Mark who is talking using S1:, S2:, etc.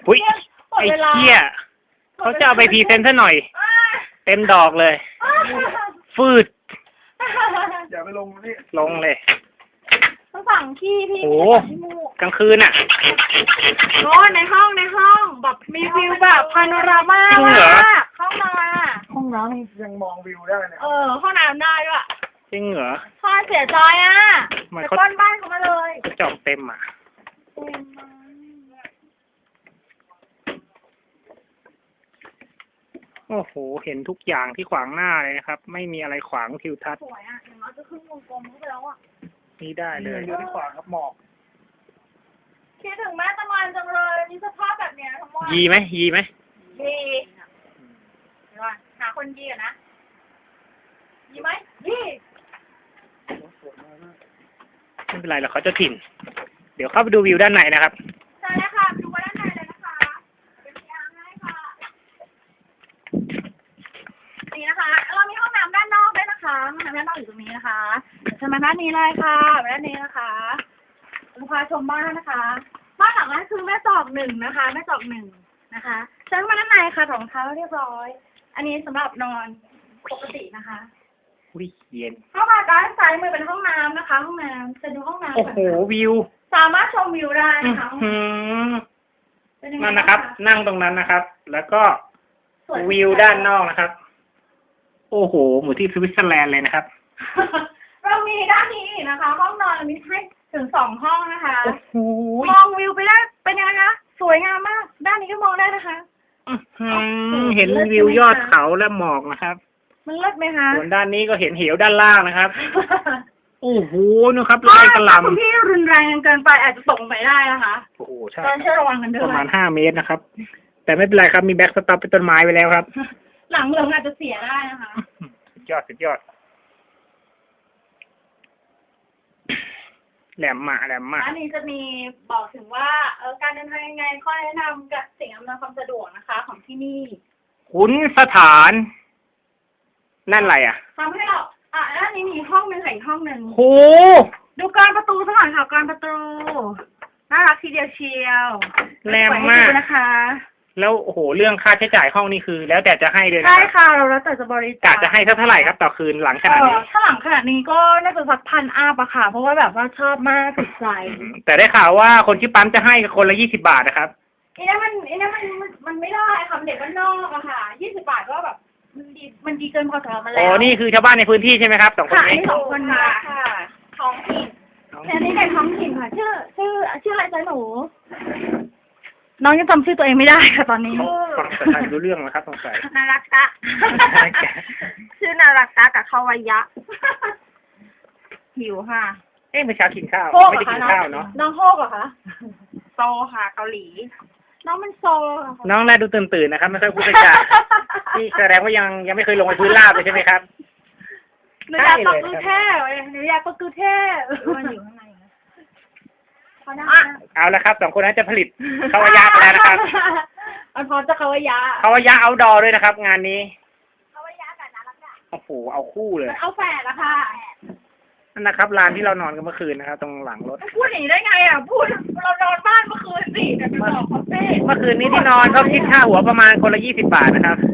S1: อุ้ยไอ้เหี้ยเขาจะเอาไปพรีเซนต์ซะหน่อย เต็มดอกเลย ฟืด
S2: อย่าไปลงนี่
S1: ลงเลย
S3: ต้องสั่งขี้พี่
S1: โอ้กลางคืนอ่ะ
S3: โอ้ในห้องแบบมีวิวแบบพาโนรามา
S1: จริงเหรอ
S3: ห้องนอนอ่ะ
S2: ห้องน้ำยังมองวิวได้เนี่ย
S3: ห้องน้ำได้ด้วย
S1: จริงเหรอ
S3: พ่อเสียใจอ่ะ
S1: ทำไม
S3: ไป
S1: เขา
S3: ปล้นบ้านเขามาเลย
S1: จองเต็มอ่ะ โอ้โห เห็นทุกอย่างที่ขวางหน้าเลยนะครับ ไม่มีอะไรขวางทิวทัศน์
S3: สวยอ่ะอย่างน้อยจะขึ้นวงกลมเข้าไปแล้วอ่ะ
S1: นี่ได้เลย
S2: อยู่ที่ขวางครับหมอก
S3: คิดถึงแม่ตะมันจังเลยมีสภาพแบบเนี้ยทั้งหมด
S1: ยีไหมยีไหม
S3: ดีเดี๋ยวก่อนหาคนยีก่อนนะยีไหมยี
S1: ไม่เป็นไรหรอกเขาจะถิ่น เดี๋ยวเข้าไปดูวิวด้านในนะครับ
S3: ใช่แล้วค่ะดูว่าด้านในเลยนะคะเป็นยางให้ค่ะนี่นะคะเรามีห้องน้ำด้านนอกด้วยนะคะห้องน้ำด้านนอกอยู่ตรงนี้นะคะเชิญมาด้านนี้เลยค่ะมาด้านนี้นะคะลูกค้าชมบ้านนะคะบ้านหลังนั้นคือแม่จอกหนึ่งนะคะแม่จอกหนึ่งนะคะเชิญมาด้านในค่ะรองเท้าเรียบร้อย อันนี้สำหรับนอนปกตินะคะ
S1: อุ้ยเย็น
S3: เข้ามาด้านซ้ายมือเป็นห้องน้ำนะคะ ห้องน้ำจะดูห้องน้ำ
S1: โอ้โห วิว
S3: สามารถชมวิวได้นะคะ
S1: อืม
S3: เป็นยังไง
S1: นั่นนะครับ นั่งตรงนั้นนะครับ แล้วก็วิวด้านนอกนะครับ โอ้โห เหมือนที่สวิตเซอร์แลนด์เลยนะครับ
S3: เรามีด้านนี้นะคะ ห้องนอนเรามีให้ถึง2 ห้องนะคะ
S1: โอ้โห
S3: มองวิวไปได้เป็นยังไงคะสวยงามมาก ด้านนี้ก็มองได้นะคะ
S1: เห็นวิวยอดเขาและหมอกนะครับ
S3: มันเลิศไหมคะ
S1: ส่วนด้านนี้ก็เห็นเหวด้านล่างนะครับ โอ้โหนะครับ
S3: ถ้า
S1: ลายกระห
S3: คุณ
S1: ลำ
S3: พี่รุนแรงเกินไปอาจจะตกไปได้นะคะ
S1: โอ้โห ใช่
S3: ตอนช่วยระวังกันด้
S1: ป
S3: วย
S1: ระมาณ5 เมตรนะครับ แต่ไม่เป็นไรครับ มีแบ็กสต็อปเป็นต้นไม้ไว้แล้วครับ
S3: หลังเหลืองอาจจะเสียได้นะคะ
S1: สุดยอด สุดยอด แหลมมาแหลมมา
S3: อันนี้จะมีบอกถึงว่าการเดินทางยังไงข้อแนะนำกับสิ่งอำนวยความสะดวกนะคะ ของที่นี่
S1: ขุนสถาน นั่นอะไรอ่ะ
S3: ทำให้เราด้านนี้มีห้องหนึ่งอีกห้องหนึ่ง
S1: โห
S3: ดูกรประตูสักหน่อยค่ะกรประตูน่ารักทีเดียวเชียว
S1: แรงมาก
S3: สวยให้ดูนะคะ
S1: แล้วโอ้โห เรื่องค่าใช้จ่ายห้องนี่คือ แล้วแต่จะให้เลยนะ
S3: ใช่
S1: ครับ
S3: ค่ะเราแล้วแต่จะบริจาค
S1: กะจะให้เท่าไหร่ครับต่อคืนหลังขนาดนี้
S3: ถ้าหลังขนาดนี้ก็น่าจะสัก1,000 อัพอะค่ะ เพราะว่าแบบว่าชอบมากติดใจ
S1: แต่ได้ข่าวว่าคนที่ปั๊มจะให้คนละ20 บาทนะครับ
S3: อันนี้มันไม่ได้ค่ะมันเด็กบ้านนอกอะค่ะ20 บาทก็แบบมันดีเกินพอสำหรับมัน
S1: อ๋
S3: แล้ว
S1: อ นี่คือชาวบ้านในพื้นที่ใช่ไหมครับ2 คน
S3: ค่ะอัน
S1: นี้
S3: นี้2 คนค่ะท้องถิ่นอันนี้เด็กท้องถิ่นค่ะ ชื่ออะไรจ๊ะหนู น้องยังจำชื่อตัวเองไม่ได้ค่ะตอนนี้
S1: ฟังภาษาไทยรู้เรื่องนะครับสงสัย
S3: นารักตะ ชื่อนารักตะกับเขาวายะ หิวค่ะ
S1: เอ๊ะเมื่อเช้ากินข้าว
S3: โฮก
S1: ไม่
S3: เหร
S1: ได้
S3: อ
S1: กิน
S3: คะ
S1: ข้าวเนาะ
S3: น้องโฮกเหรอคะ โซค่ะเกาหลี น้องมันโซค่ะ
S1: น้องแรกดูตื่นๆนะครับ ไม่ค่อยพูดจานี่แสดงว่ายังไม่เคยลงไปพื้นราบเลยใช่ไหมครับ
S3: หนูอยากปักกูเทพหนูอยากปักกูเทพมันอยู่ข้างใน
S1: เอาละครับ2 คนนั้นจะผลิตคาวายะไปแล้วนะครับ
S3: มันพร้อมจะคาวายะ
S1: คาวายะเอาดอด้วยนะครับ งานนี้
S3: คาวายะกับนารักตะ
S1: โอ้โห เอาคู่เลย
S3: มันเอาแฝดละค่ะ
S1: นั่นนะครับลานที่เรานอนกันเมื่อคืนนะครับ ตรงหลังรถ
S3: พูดอย่างนี้ได้ไงอ่ะ พูดเรานอนบ้านเมื่อคืนสิแต่ไปบอกคาเฟ่
S1: เมื่อคืนนี้ที่นอนเขาคิดค่าหัวประมาณคนละ20 บาทนะครับ